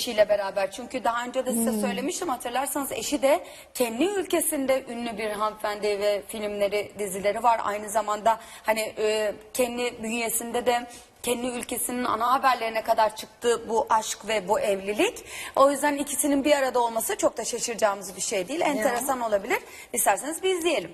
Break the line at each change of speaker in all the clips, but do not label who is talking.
eşiyle beraber. Çünkü daha önce de size söylemiştim, hatırlarsanız eşi de kendi ülkesinde ünlü bir hanımefendi ve filmleri, dizileri var. Aynı zamanda hani kendi bünyesinde de kendi ülkesinin ana haberlerine kadar çıktı bu aşk ve bu evlilik. O yüzden ikisinin bir arada olması çok da şaşıracağımız bir şey değil. Enteresan olabilir. İsterseniz bir izleyelim.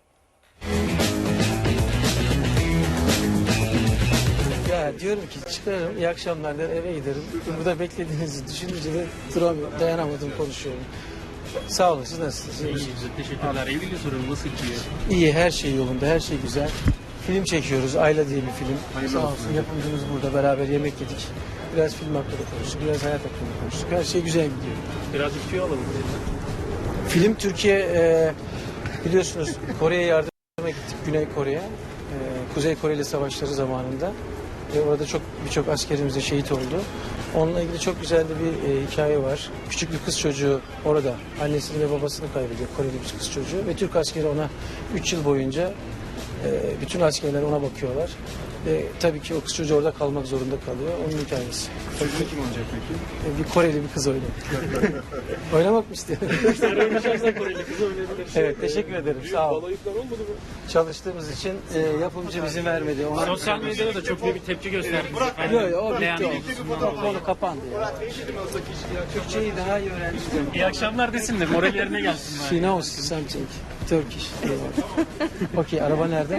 Ya diyorum ki çıkarım, iyi akşamlar der, eve giderim. Burada beklediğinizi düşününce de dayanamadım, konuşuyorum. Sağ olun, siz nasılsınız?
İyiyiz, teşekkürler. Evliliği soruyorum, nasıl gidiyor?
İyi, her şey yolunda, her şey güzel. Film çekiyoruz, Ayla diye bir film.
Hayırlı
Sağ
olsun.
olsun, yapımcımız burada, beraber yemek yedik. Biraz film hakkında konuştuk, biraz hayat hakkında konuştuk. Her şey güzel gidiyor.
Birazcık tüyo alalım.
Film Türkiye, biliyorsunuz Kore'ye yardıma gittik, Güney Kore'ye. Kuzey Koreli savaşları zamanında. Ve orada birçok askerimiz de şehit oldu. Onunla ilgili çok güzel de bir hikaye var. Küçük bir kız çocuğu orada annesini ve babasını kaybediyor. Koreli bir kız çocuğu. Ve Türk askeri ona 3 yıl boyunca bütün askerler ona bakıyorlar. Ve tabii ki o kız çocuğu orada kalmak zorunda kalıyor. Onun hikayesi.
Çocuğun kim olacak peki?
Bir Koreli bir kız oynuyor. Oynamak mı istiyor?
Koreli kızı oynayabilir.
Evet, teşekkür ederim. Sağ ol.
Balayıklar olmadı mı?
Çalıştığımız için yapımcı izin vermedi. Ona...
Sosyal medyada da çok büyük bir tepki gösterdiniz.
Yok yok, o bitti.
Beğenmedik.
O konu kapandı ya. Türkçeyi daha iyi öğrendim.
İyi akşamlar desin de moral yerine gelsin.
She knows something. Turkish. Okey, araba nerede?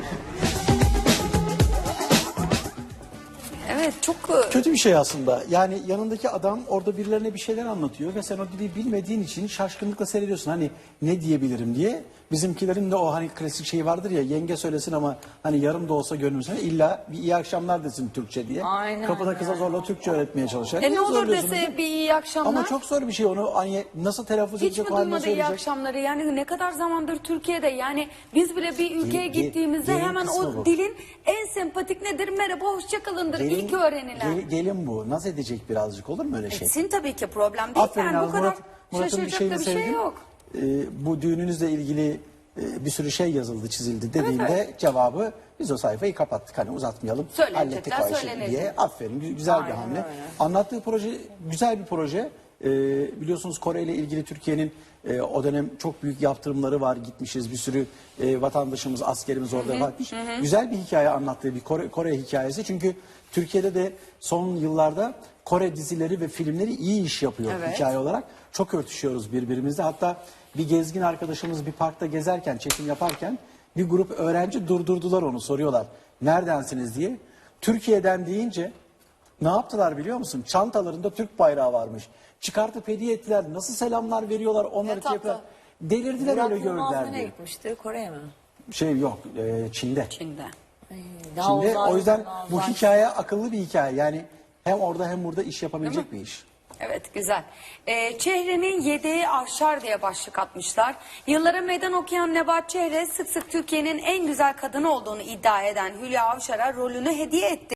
Evet, çok
Kötü bir şey aslında. Yani yanındaki adam orada birilerine bir şeyler anlatıyor ve sen o dili bilmediğin için şaşkınlıkla seyrediyorsun. Hani ne diyebilirim diye. Bizimkilerin de o hani klasik şey vardır ya, yenge söylesin ama hani yarım da olsa gönlümüzse illa bir iyi akşamlar desin Türkçe diye.
Aynen
Kapıda kıza zorla Türkçe öğretmeye çalışan.
ne olur
Zorluyorsun
dese
değil mi?
bir iyi akşamlar.
Ama çok zor bir şey onu hani nasıl telaffuz
Hiç mi
edecek, o halde
duymadı iyi
söyleyecek.
akşamları? Yani ne kadar zamandır Türkiye'de, yani biz bile bir ülkeye gittiğimizde
gelin
hemen
kısmı
o
bu.
dilin en sempatik nedir? Merhaba, hoşçakalındır. İlk öğrenilen.
Gelin bu. Naz edecek birazcık, olur mu öyle şey?
Etsin tabii ki, problem değil.
Aferin
Yani bu
abi,
kadar
Murat'ın bir
şaşıracak
şeyini
da bir şey
sevdim.
yok.
Bu düğününüzle ilgili bir sürü şey yazıldı, çizildi dediğinde
Evet.
cevabı biz o sayfayı kapattık. Hani uzatmayalım, hallettik
Söylenecekler
o işi
söylenecek.
diye. Aferin, güzel bir
Aynen
hamle.
öyle.
Anlattığı proje güzel bir proje. Biliyorsunuz Kore ile ilgili Türkiye'nin o dönem çok büyük yaptırımları var. Gitmişiz, bir sürü vatandaşımız, askerimiz orada varmış. Güzel bir hikaye anlattığı bir Kore hikayesi. Çünkü Türkiye'de de son yıllarda Kore dizileri ve filmleri iyi iş yapıyor
Evet.
hikaye olarak. Çok örtüşüyoruz birbirimizle. Hatta bir gezgin arkadaşımız bir parkta gezerken, çekim yaparken bir grup öğrenci durdurdular onu, soruyorlar. Neredensiniz diye. Türkiye'den deyince ne yaptılar biliyor musun? Çantalarında Türk bayrağı varmış. Çıkartıp hediye ettiler. Nasıl selamlar veriyorlar, onları
tatlı.
yapıyorlar. Delirdiler
Murat
öyle
Yılmaz
gördüler
nereye
diye.
gitmişti? Kore'ye mi?
Şey yok, Çin'de.
Çin'de.
Daha
Çin'de,
uzay,
o yüzden
daha
bu
uzay.
hikaye akıllı bir hikaye. Yani hem orada hem burada iş yapabilecek bir iş.
Evet, güzel. Çehre'nin yedeği aşar diye başlık atmışlar. Yıllara meydan okuyan Nebahat Çehre sık sık Türkiye'nin en güzel kadını olduğunu iddia eden Hülya Avşar'a rolünü hediye etti.